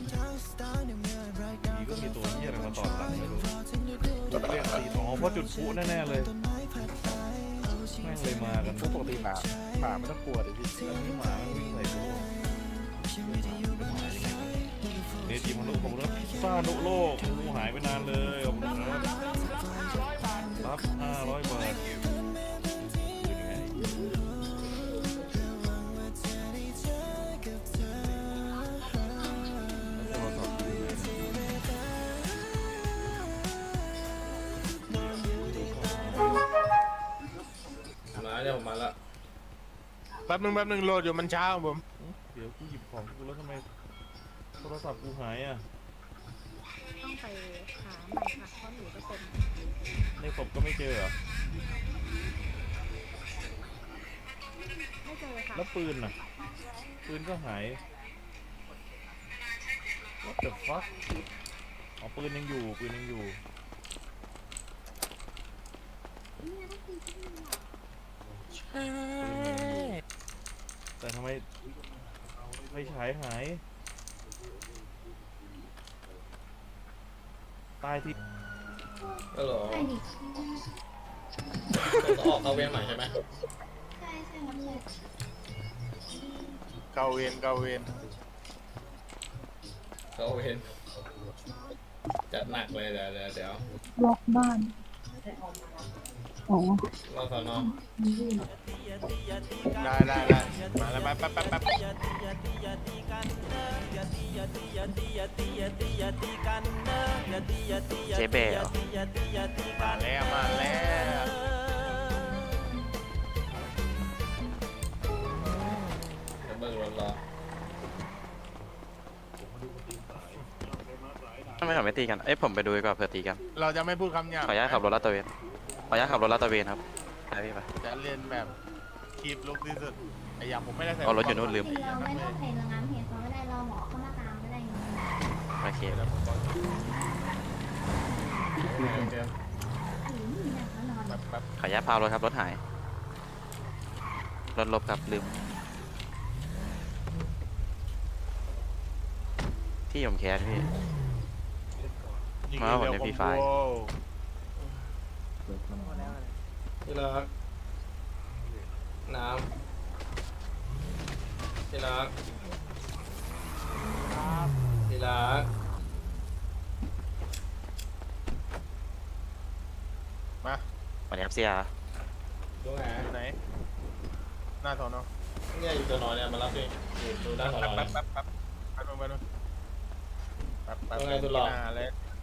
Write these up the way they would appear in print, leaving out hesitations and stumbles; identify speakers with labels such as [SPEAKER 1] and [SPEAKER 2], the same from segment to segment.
[SPEAKER 1] นี่ก็มีตัวเหี้ยอะไรมาตอดหลังไม่รู้เรียกตีอ๋อเพราะจุดพลุแน่ๆเลยแม่งเลยมากันปกติหมาไม่ต้องกลัวดิพี่แล้วนี่หมามันวิ่งใส่ตัวนี่ทีมมนุษย์ของเราซานุโลกงูหายไปนานเลยขอบคุณครับรับ500 บาทเป็นไง
[SPEAKER 2] มาเนี่ยผมมาละ
[SPEAKER 3] แป๊บนึงโหลดอยู่มันช้าของผม
[SPEAKER 1] เดี๋ยวกูหยิบของกูแล้วทำไมโทรศัพท์กูหายอ่ะ
[SPEAKER 4] ต้องไปหาใหม่ค่ะเพราะหนูจะเป็น
[SPEAKER 1] ในศพก็ไม่เจอเหรอ
[SPEAKER 4] ไม่เจอค่ะ
[SPEAKER 1] แล้วปืนน่ะปืนก็หาย What the fuck อ๋อปืนยังอยู่ปืนยังอยู่แต่ทำไมไฟฉายหายตายที่
[SPEAKER 2] ก็หรอต้องออกเข้าเวียนใหม่ใช่ไหม
[SPEAKER 3] เกาเวน
[SPEAKER 2] เข้าเวียนจัดหนักเลยเดี๋ยว
[SPEAKER 5] ล็อกบ้านอ๋อ
[SPEAKER 2] รอสอนอ
[SPEAKER 3] ได้มาแล้วแป๊บ
[SPEAKER 6] เจ๊เบล
[SPEAKER 3] มาแล้ว
[SPEAKER 2] เดี๋ยวเบิกรถรอ
[SPEAKER 6] ทำไมเขาไม่ตีกัน เอ้ยผมไปดูดีกว่าเผื่อตีกัน
[SPEAKER 3] เราจะไม่พูดคำหยาบ
[SPEAKER 6] ขออนุญาตขับรถลาดตระเวนขออนุญาตขับรถลาดตระเวนครับไปพี่ไป
[SPEAKER 3] จะเรียนแบบคีบลุกที่สุดไอ้อย่างผมไม่ได้ใส่
[SPEAKER 6] เอารถอยู่นู่นลืม
[SPEAKER 5] เราไม่ต้องเพลงระงับเหตุเขาไม่ได้รอหมอเข้ามาตามไม่ได้ไง
[SPEAKER 6] โอเคแล้ว
[SPEAKER 2] เดี๋ยว
[SPEAKER 5] หรือมีหนักแล้วนอน
[SPEAKER 3] แป๊บ
[SPEAKER 6] ขออนุญาตพารถครับรถหาย รถลบครับลืม ที่ผมแคสพี่
[SPEAKER 3] ยิง
[SPEAKER 6] มาผมใน
[SPEAKER 3] เร็ว
[SPEAKER 6] Free
[SPEAKER 3] คอ
[SPEAKER 6] Fire
[SPEAKER 3] มโบ
[SPEAKER 2] ที่รักน้ำที่รักที่รัก
[SPEAKER 3] มา
[SPEAKER 6] วันนี้ครับเสีย
[SPEAKER 2] ดูไง
[SPEAKER 3] อยู่ไหนหน้าถอนเนาะ
[SPEAKER 2] เนี่ยอยู่ตัวนอนเนี่ยมารับดิอยู่ดูด้านของเรา
[SPEAKER 3] แป๊
[SPEAKER 2] เนี่ย
[SPEAKER 3] บหน้าเลย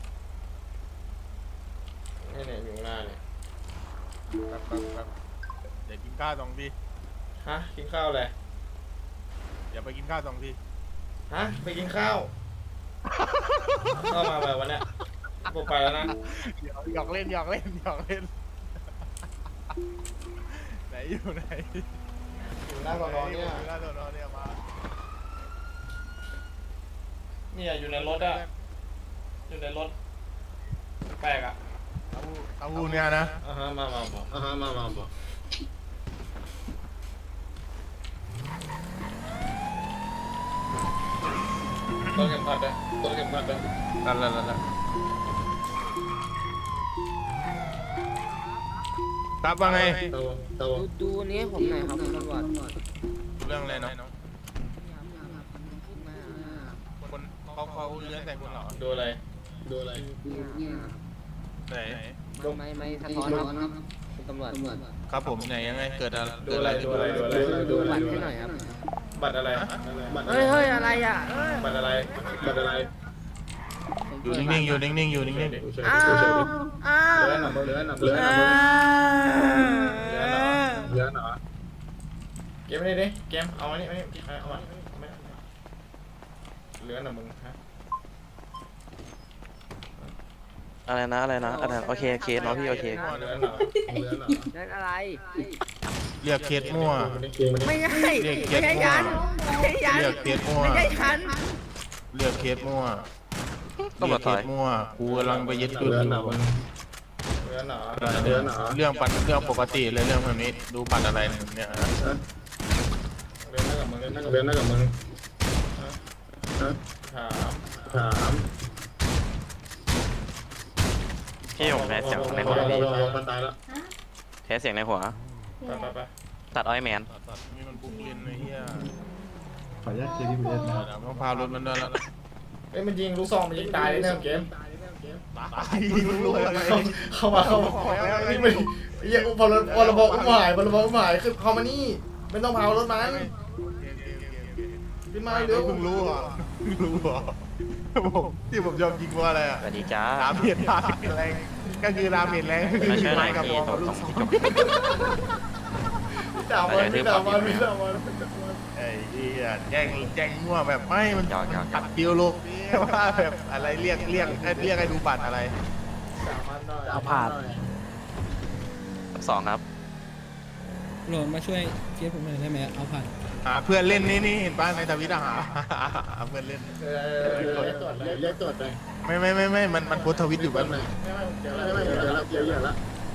[SPEAKER 2] เนี่ยอยู่ข้างหน้าเนี่ย
[SPEAKER 3] แป๊บเดี๋ยวกินข้าว2 ที
[SPEAKER 2] ฮะกินข้าวเลย
[SPEAKER 3] อย่าไปกินข้าว2 ที
[SPEAKER 2] ฮะไปกินข้าวเข้ามาแบบวันเนี้ยผมไปแล้วนะ
[SPEAKER 3] หยอกเล่นไหนอยู่ไหน
[SPEAKER 2] อยู่หน้าสอนอเนี่ย
[SPEAKER 3] หน้าถอนเนี่ยมา
[SPEAKER 2] เนี่ยอยู่ในรถอะอยู่ในรถแปลกอะ
[SPEAKER 3] เอาหูเนี่ยนะ
[SPEAKER 2] มาต้นเข็มขัดเลยนั่น
[SPEAKER 3] ครับว่าไง
[SPEAKER 2] ตัว
[SPEAKER 7] ดูนี้ผมหน่อยครับคุณตำรวจ
[SPEAKER 3] เรื่องอะไรเนาะคนเขาเลื้อนใส่คุณเหรอ
[SPEAKER 2] ดูอะไร
[SPEAKER 3] ไหน
[SPEAKER 7] ไม่สะท้อนครับคุณตำรวจ
[SPEAKER 3] ครับผมไหนยังไงเกิดอะไร
[SPEAKER 2] ดูอะไร
[SPEAKER 7] ดูบัตรให้หน่อยครับ
[SPEAKER 2] บัตรอะไร
[SPEAKER 7] เฮ้ยอะไรอ่ะ
[SPEAKER 2] บัตรอะไร
[SPEAKER 3] อยู่นิ่งๆอยู่นิ่งๆ
[SPEAKER 2] เลื้อนหนักเกมนี่ดิเกมเอาอันนี้เอาอันเลื้อนหนักมึงฮะ
[SPEAKER 6] อะไรนะโอเคเคสเนาะพี่โอเค
[SPEAKER 2] เลื้อนหนัก
[SPEAKER 7] นั่นอะไร
[SPEAKER 3] เรียกเคสมั่ว
[SPEAKER 7] ไม่ใช่ยัน
[SPEAKER 3] เรียกเคสมั่ว
[SPEAKER 7] ไม่ใช่ฉัน
[SPEAKER 3] เรียกเคสมั่ว
[SPEAKER 6] ตำรวจถอย
[SPEAKER 3] กูกำลังไปยึดคืน
[SPEAKER 2] เลื้อนหนัก
[SPEAKER 3] เรื่องปกติเลยเรื่องแบบนี้ดูบัตรอะไรเนี่ย
[SPEAKER 2] เลื้อนหนักกับมึงถาม
[SPEAKER 6] พี่ผมแพ้เสียงในหัว
[SPEAKER 2] มันตายแล้ว
[SPEAKER 5] ฮะ
[SPEAKER 6] แพ้เสียงในหัว
[SPEAKER 5] คืออะไร
[SPEAKER 2] ไป
[SPEAKER 6] ตัดอ้อยแมน
[SPEAKER 3] มีมันบุกลินไอ้เหี้ย
[SPEAKER 1] ขออนุญาตเคลียร์ที่ประเทศนะ
[SPEAKER 3] เดี๋ยวต้องพารถมันด้วยแล้ว
[SPEAKER 2] เอ้ยมันยิงลูกซองมันยิงตายเลยเกม
[SPEAKER 3] ตายรู้เลย
[SPEAKER 2] เข้ามานี่มันเหี้ยพอเราบอกอุ้มหายคือเข้ามานี่ไม่ต้องพารถมันขึ้นมาเร็ว
[SPEAKER 3] เพิ่งรู้เหรอที่ผมยอมยิงว่าอะไรอ่ะ
[SPEAKER 6] สวัสดีจ้า
[SPEAKER 3] ดาเมจแรงก็คือดาเมจแรง
[SPEAKER 6] มาช่วยหน่อย
[SPEAKER 3] กับ
[SPEAKER 6] พี่
[SPEAKER 3] บอล
[SPEAKER 6] ตรงที่จบ
[SPEAKER 2] ด่ามันไม่ด่ามันไม่ด่ามัน
[SPEAKER 3] ไอ้เหี้ยแจ้งมั่วแบบไม่มัน
[SPEAKER 6] หยอก
[SPEAKER 3] ตัดคิวลูกว่าแบบอะไรเรียกให้ดูบัตรอะไร
[SPEAKER 2] ด่ามันหน่อย
[SPEAKER 7] เอาผ่าน
[SPEAKER 6] สองครับ
[SPEAKER 8] โหลดมาช่วยเคสผมหน่อยได้ไหมเอาผ่าน
[SPEAKER 3] เพื่อนเล่นนี่เห็นป่ะในทวิตหาเพื่อนเล่น
[SPEAKER 2] เรียกตรวจเลย
[SPEAKER 3] ไม่มันโพสต์ทวิตอยู่แป๊บนึง
[SPEAKER 2] เดี๋ยวแล้ว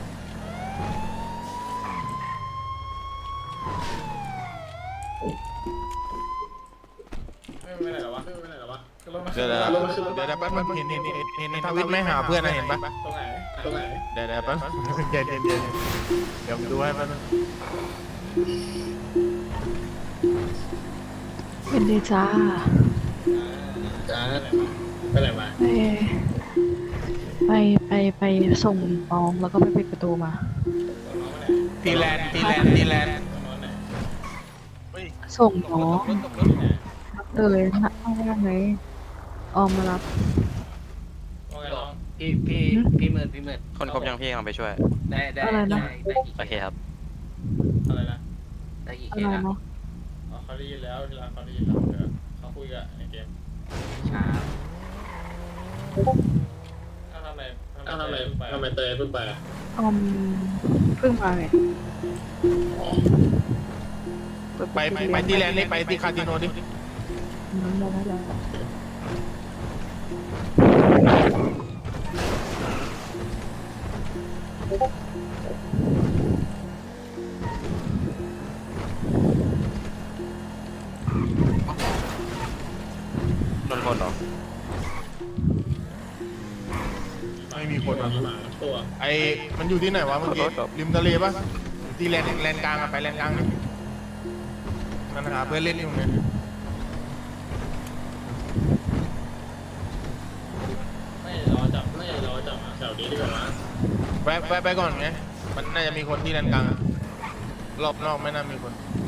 [SPEAKER 2] ไม่ไหนหรอวะ
[SPEAKER 3] เดี๋ยวแป๊บนึงเห็นในทวิตไม่หาเพื่อนนะเห็นป่ะ
[SPEAKER 2] ตรงไหน
[SPEAKER 3] เดี๋ยวแป๊บเย็นเดี๋ยวดูให้แป๊บนึง
[SPEAKER 9] เป็นดีจ้า
[SPEAKER 2] จ้าไปไหนมา
[SPEAKER 9] ไปส่งน้องแล้วก็ไปปิดประตูมา
[SPEAKER 3] ตีแลนด์
[SPEAKER 9] ส่งน้องเลยนะเอาว่าไงออมมารับ
[SPEAKER 7] พี่หมื่น
[SPEAKER 6] คนครบยังพี่กำลังไปช่วย
[SPEAKER 7] ได้
[SPEAKER 9] อะไรนะ
[SPEAKER 6] โอเคครับ
[SPEAKER 2] อะไรนะ
[SPEAKER 7] ได้กี่
[SPEAKER 9] อะ
[SPEAKER 7] เค
[SPEAKER 9] ไร
[SPEAKER 7] สนะ
[SPEAKER 9] เนาะ
[SPEAKER 2] เขาได้ยินแล้วเขาได้ยินแล้วเขาคุยกับในเกม
[SPEAKER 7] ช้า
[SPEAKER 2] ทำไมเตยเพิ่งไป
[SPEAKER 9] ออมเพิ่งมาไง
[SPEAKER 3] ไปที่แลนด์นี่ไปที่คาสิโนดิ
[SPEAKER 9] น้ำได้แล้ว
[SPEAKER 6] โดนคนเหรอ
[SPEAKER 3] ไม่มีคนมา
[SPEAKER 2] ตัว
[SPEAKER 3] ไอมันอยู่ที่ไหนวะเมื่อกี้ริมทะเลปะที่แลนด์กลางอะไปแลนด์กลางนี่นั่นหาเพื่อนเล่นอยู่เนี่ย
[SPEAKER 2] ไม่รอจับแถวนี้ดีกว่านะ
[SPEAKER 3] แวะไปก่อนไงมันน่าจะมีคนที่แลนด์กลางอะรอบนอกไม่น่ามีคน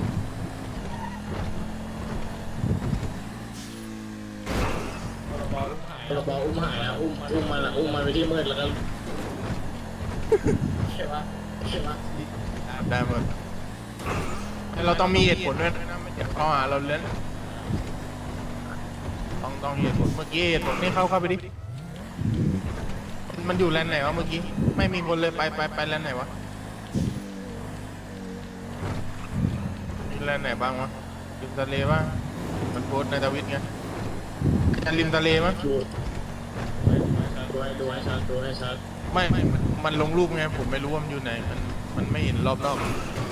[SPEAKER 2] เราบอกอุ้มหายแล้วอุ้มมันไปที่มืดแล้วก็ใช่ปะ
[SPEAKER 3] ได้หมดเราต้องมีเหตุผลด้วยนะมันจะข้อหาเราเล่นต้องเหตุผลเมื่อกี้เหตุผลนี่เข้าไปดิมันอยู่แลนด์ไหนวะเมื่อกี้ไม่มีคนเลยไปแลนด์ไหนวะมีแลนด์ไหนบ้างวะริมทะเลบ้างมันโพสต์ในทวิตไงจะริมทะเลมั้ย
[SPEAKER 2] ดูให้ชัด
[SPEAKER 3] ไม่มันลงรูปไงผมไม่รู้ว่ามันอยู่ไหนมันไม่เห็นรอบนอก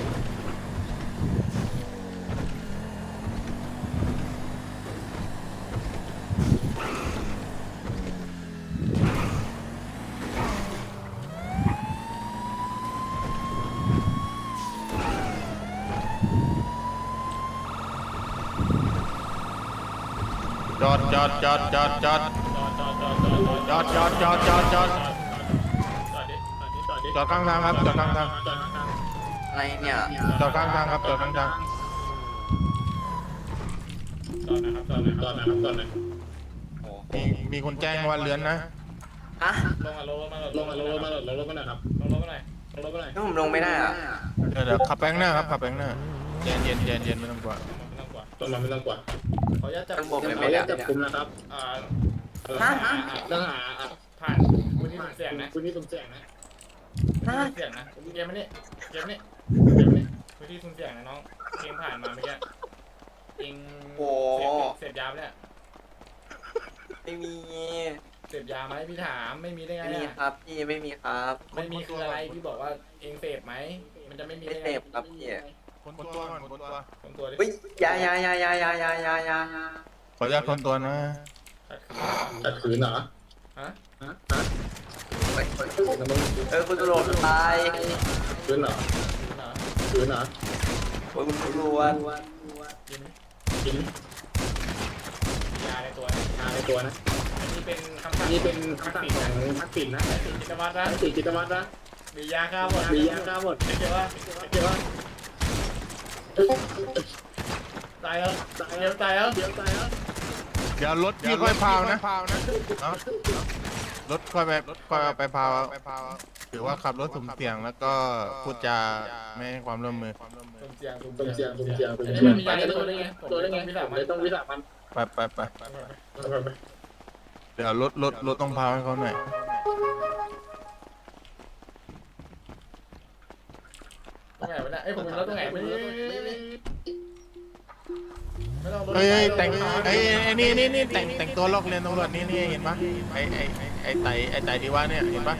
[SPEAKER 3] จอดจอดข้างทางครับจอดข้างทาง
[SPEAKER 6] อะไรเนี่ย
[SPEAKER 3] จอดข้างทางครับจอดข้างทาง
[SPEAKER 2] ตอนนะครับ
[SPEAKER 3] มีคนแจ้งว่าเลื้อนนะ
[SPEAKER 6] ฮะ
[SPEAKER 2] ลงมาหน่อยครับลงมาหน่อย
[SPEAKER 6] นี่ผมลงไม่ได้อ่ะ
[SPEAKER 3] เดี๋ยวขับแบงหน้าครับขับแบงหน้าเย็นไม่ต้องกลัว
[SPEAKER 2] ไม่ต้องกว่าขออนุญาตจับ
[SPEAKER 6] ข้างบนไม่ได้
[SPEAKER 2] จับกุมนะครับต้องหาผ่านคุณนี่เสียงนะเสียงนะเกมนี้คุณที่คุณเสียงนะน้องเกมผ่านมาเมื่อกี้เองเสพยาเนี่ย
[SPEAKER 6] ไม่มี
[SPEAKER 2] เสพยาไหมพี่ถามไม่มีได้ไง
[SPEAKER 6] ไม่มีครับพี่ไม่มีครับ
[SPEAKER 2] ไม่มีคืออะไรพี่บอกว่าเองเสพไหมมันจะไม่มี
[SPEAKER 6] ไม่
[SPEAKER 2] ได้
[SPEAKER 6] เส
[SPEAKER 2] ไง
[SPEAKER 6] พครับพี่
[SPEAKER 3] คนตัวก่อนคนตัว
[SPEAKER 2] คนตัวดิ
[SPEAKER 6] อุ้ยยา
[SPEAKER 3] ขออนุญาตคนตัวนะ
[SPEAKER 2] ขัดขืนเหรอฮะ
[SPEAKER 6] คุณตำรวจตาย
[SPEAKER 2] ขืนเหรอขืนเหรอ
[SPEAKER 6] โอ้ยคุณตำรวจ
[SPEAKER 2] กินยาในตัวนะอันนี้เป็นคำสั่งของทักษิณนะจิตวัตรนะมียาฆ่าหมดเกี่ยวว่าตายแล้วเดี๋ยวตายแล้ว
[SPEAKER 3] เดี๋ยวรถพี่ค่อยพาวนะเนาะรถค่อยไปพาวถือว่าขับรถสุ่มเสี่ยงแล้วก็พูดจาไม่ให้ความร่วมมือ
[SPEAKER 2] สุ่มเสี่ยงมันมียาในตัวได้ไงต้องวิสามัน
[SPEAKER 3] ไปเดี๋ยวรถต้องพาวให้เขาหน่อย
[SPEAKER 2] ตรงไหนวะเนี่ยไอ้ผมมีรถตรงไหนไม่ต้องรถ
[SPEAKER 3] เฮ้ยแต่งนี่แต่งตัวลอกเรียนตำรวจนี่เห็นปะไอ้ไต่ที่ว่าเนี่ยเห็นปะ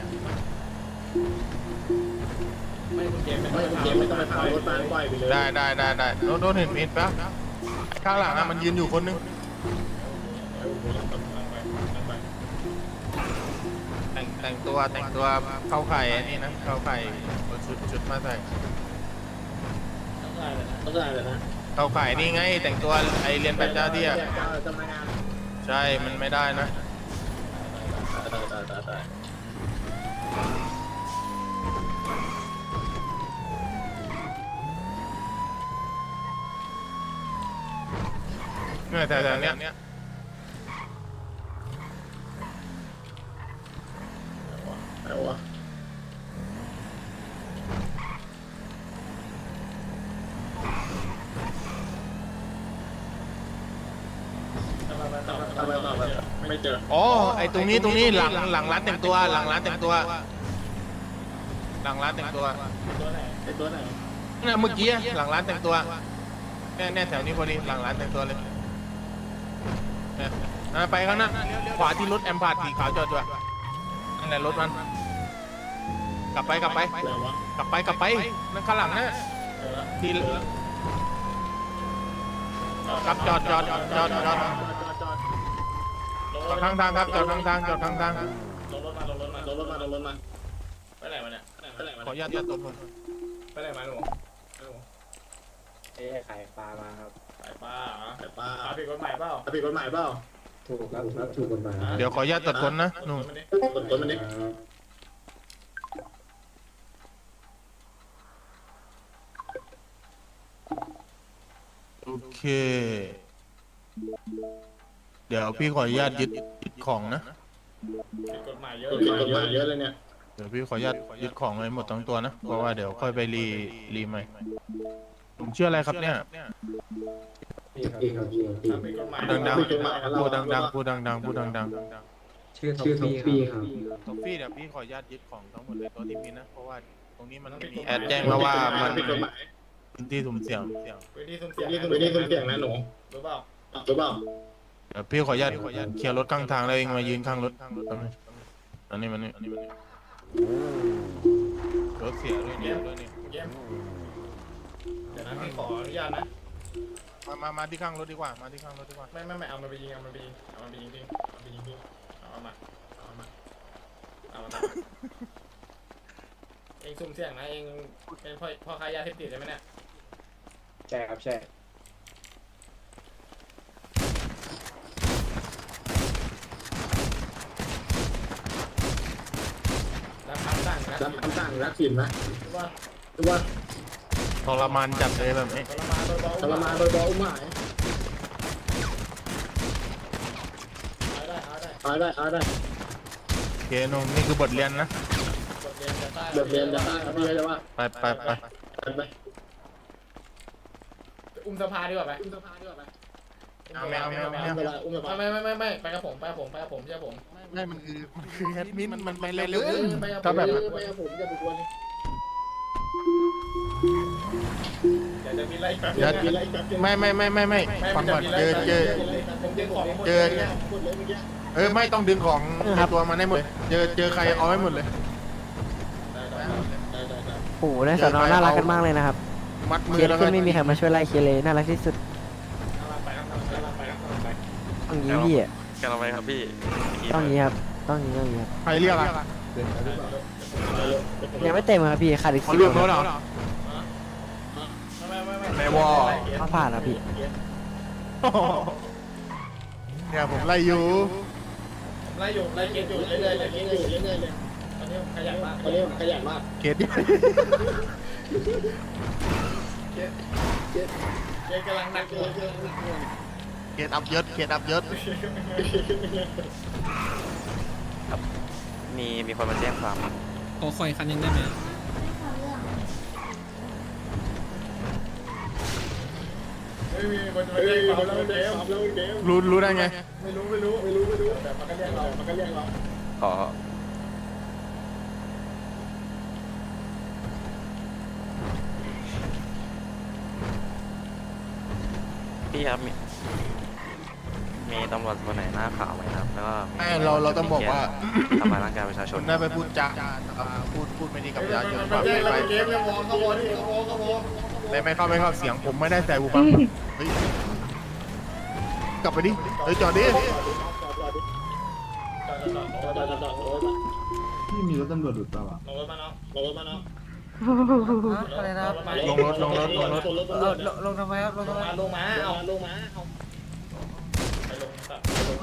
[SPEAKER 2] ไม่คุณเกมไม่ต้องไปพารถมาปล่อยไปเลย
[SPEAKER 3] ได้รถเห็นปะข้างหลังอะมันยืนอยู่คนนึงแต่งตัวเข้าไข่นี่นะเข้าไข่ชุดมาใส่
[SPEAKER 2] ต้องได้เลยนะ
[SPEAKER 3] เข้าไข่นี่ไงแต่งตัวไอเรียนแบบเจ้าที่อะใช่มันไม่ได้นะเนี่ยแต่เนี้ย
[SPEAKER 2] อะไรวะไม่เจอ
[SPEAKER 3] อ๋อไอตรงนี้หลังร้านแต่งตัวหลังร้านแต่งตัว
[SPEAKER 2] ตัวไหน
[SPEAKER 3] เนี่ยเมื่อกี้หลังร้านแต่งตัวเนี่ยแถวนี้พอดีหลังร้านแต่งตัวเลยเนี่ยไปข้างหน้าขวาที่รถแอมพาร์ตสีขาวจอดด้วยนั่นแหละรถมันกลับไปนั่นข้างหลังนะที่ครับจอดข้างทางครับจอดข้างทาง
[SPEAKER 2] ลงรถมาไปไหนมาเนี่ย
[SPEAKER 3] ขออนุญาตตัดตัวผม
[SPEAKER 2] ไปไหนมาหนู
[SPEAKER 7] ขายปลามาครับ
[SPEAKER 2] ขายปลาผิดกฎหมายเปล่า
[SPEAKER 7] ถูกครับถูกกฎหมาย
[SPEAKER 3] เดี๋ยวขออนุญาตตัดคนนะนู่น
[SPEAKER 2] ต้นมันนี่
[SPEAKER 3] โอเคเดี๋ยวพี่ขออนุญาตยึดของนะ
[SPEAKER 2] ผิดกฎหมายเยอะเลยเนี่ย
[SPEAKER 3] เดี๋ยวพี่ขออนุญาตยึดของเลยหมดทั้งตัวนะเพราะว่าเดี๋ยวค่อยไปรีใหม่ผมชื่ออะไรครับเนี่ย
[SPEAKER 2] ผิดกฎหมาย
[SPEAKER 3] พูดดัง
[SPEAKER 7] ชื่อท็อปปี้ครับ
[SPEAKER 3] ท็อฟฟี่เดี๋ยวพี่ขออนุญาตยึดของทั้งหมดเลยตัวที่มีนะเพราะว่าตรงนี้มันมีแอดแจ้งมาว่ามัน
[SPEAKER 2] ผิดกฎหมาย
[SPEAKER 3] พื้นที่สุ่มเสี่ยง
[SPEAKER 2] พื้นที่สุ่มเสี่ยงนะหนูรู้เปล่า
[SPEAKER 3] เดี๋ยวพี่ขออนุญาตเคลียร์รถข้างทางแล้วเองมายืนข้างรถอันนี้มันรถเสียด้วยเนี่ย
[SPEAKER 2] เยี่ยมเดี๋ยวนะพี่ขออนุญาตนะ
[SPEAKER 3] มาที่ข้างรถดีกว่าไม่
[SPEAKER 2] เอามาไปยิงจริงเอามาเองสุ่มเสี่ยงนะเองเป็นพ่อค้ายาเสพติดใช่ไหมเนี่ย
[SPEAKER 7] ใช่ครับใช่
[SPEAKER 2] รับคำสั่งรักสินนะว่า
[SPEAKER 3] ทรมานจัดเลยแบบนี้
[SPEAKER 2] ทรมานโดยเบาอุ้มหายเอาได้
[SPEAKER 3] โอเคนุ่มนี่คือบทเรียนนะ
[SPEAKER 2] บทเรียนจะได้ครับพี่จะว่า
[SPEAKER 3] ไป
[SPEAKER 2] อุ้มสภาดีกว่าไหม
[SPEAKER 3] แมว
[SPEAKER 2] อุ้มสภาไม่ไปกับผมเชื่อผม
[SPEAKER 3] ไม่มันคือแอดมินมันไปเร็ว
[SPEAKER 2] ถ้าแบบไปกับผมอย่าไปกวนเดี๋ยวจะมีอะไร
[SPEAKER 3] ไม่ฟังก่อนเจอไม่ต้องดึงของตัวมันให้หมดเจอใครเอาให้หมดเลย
[SPEAKER 10] โอ้โหในสอนอน่ารักกันมากเลยนะครับ
[SPEAKER 3] มัดมื
[SPEAKER 10] เค
[SPEAKER 3] อ
[SPEAKER 10] ส
[SPEAKER 3] แล้ว
[SPEAKER 10] ขึ้นไม่มีใครมาช่วยไล่เคสเลยน่ารักที่สุด
[SPEAKER 2] ไป
[SPEAKER 10] อย่างนี้พี่อ่ะ
[SPEAKER 3] แก
[SPEAKER 6] กันเอาไว้ครับพี่
[SPEAKER 10] ต้องนี้ครับ ต้องนี้ครับ
[SPEAKER 3] ใครเรียกอะ
[SPEAKER 10] ยังไม่เต็มครับพี่ขาดอีก
[SPEAKER 3] เขา
[SPEAKER 10] 10
[SPEAKER 3] เรียกรถเหรอ
[SPEAKER 2] ไม่
[SPEAKER 3] วอ
[SPEAKER 10] เขาผ่านแล้วพี่
[SPEAKER 3] เนี่ยผมไล่อยู่
[SPEAKER 2] ไล่เกมอยู่เรื่อยๆเลยตอนนี้ผมขยันมาก
[SPEAKER 3] เกตดิ
[SPEAKER 2] เกมกำลังหนักเลย
[SPEAKER 3] เกตอัพยศเกตอัพยศ
[SPEAKER 6] มีคนมาแจ้งความ
[SPEAKER 8] ขอคอยคันหนึงได้ไหม
[SPEAKER 5] ไม่เขาเรื่อง
[SPEAKER 2] ไม่มีคนมาเล่นความแล้วเกม
[SPEAKER 3] รู้ได้ไง
[SPEAKER 2] ไม่รู้แต่มันก็เรียกเรา
[SPEAKER 6] ขอพี่ครับมีตำรวจคนไหนหน้าขาวไหมครับแล้วก็
[SPEAKER 3] ไม่เราต้องบอกว่า
[SPEAKER 6] ทำลายร่างกายประชาชน
[SPEAKER 3] ได้ไปพูดจาพูดไม่ดีกับประชาชน
[SPEAKER 2] มันแย่งเราเกมเนี่ยวอเขาวอที่เขาวอ
[SPEAKER 3] ไม่เข้าเสียงผมไม่ได้ใส่หูฟังเฮ้ยกลับไปดิเฮ้ยจอดดิ
[SPEAKER 7] พี่มีรถตำรวจหรือเปล่า
[SPEAKER 2] ลงรถมาเนาะ
[SPEAKER 10] อะไรนะ
[SPEAKER 3] ลงรถ
[SPEAKER 10] ลงทำไมครับ ลงทำไม
[SPEAKER 2] ลงมาเอาไปลงสัตว์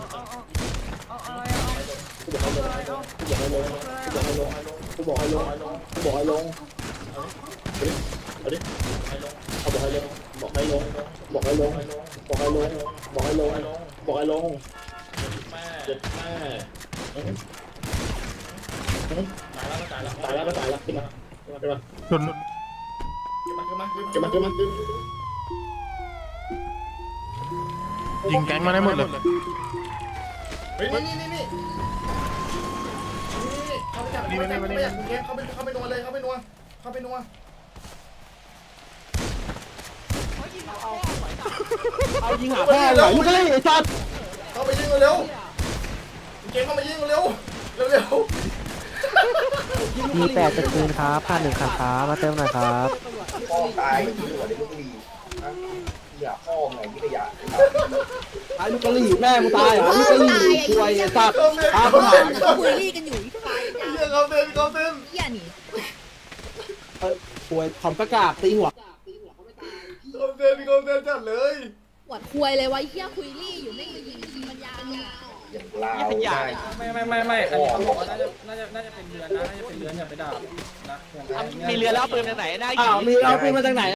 [SPEAKER 2] กูบอกให้ลงแม่ตายแล้วขึ้นมา
[SPEAKER 3] ชน ยิงแก๊งมาได้หมดเลย
[SPEAKER 2] เฮ้ยนี่เข้าไปจับเข้าไปนัวเลยเข้าไปนัว
[SPEAKER 10] เอายิงหาพ่อเหรอมึงก็เลยไอ้สัตว์
[SPEAKER 2] เข้าไปยิงเร็วเกมเข้ามายิงเร็ว
[SPEAKER 10] มี8จะคืนครับผ่าน1คันครับมาเติมหน่อยครับ
[SPEAKER 7] ไอ้ลูกกะหรี่แม่มึงตายเหรอลูกกะหรี่ควยไอ้สัตว์
[SPEAKER 4] คุยรี่กันอยู่ที่ไฟ
[SPEAKER 2] เขาเต้น
[SPEAKER 4] เหี้ยนี่
[SPEAKER 7] ควยคำประกาศตีหัว
[SPEAKER 2] เขาเต้นจัดเลย
[SPEAKER 4] หวดคุยเลยวะเหี้ยคุยรี่อยู่ไม่ยิงปัญญา
[SPEAKER 8] ไม่อันนี้เขาบอกว่าน่าจะเป็นเรือนนะน่าจะเป็นเรือนอย่าไปด่านะ
[SPEAKER 10] มีเรือแล้วปืนจากไหน
[SPEAKER 7] อ้าวมีเอาปืนมาจากไหน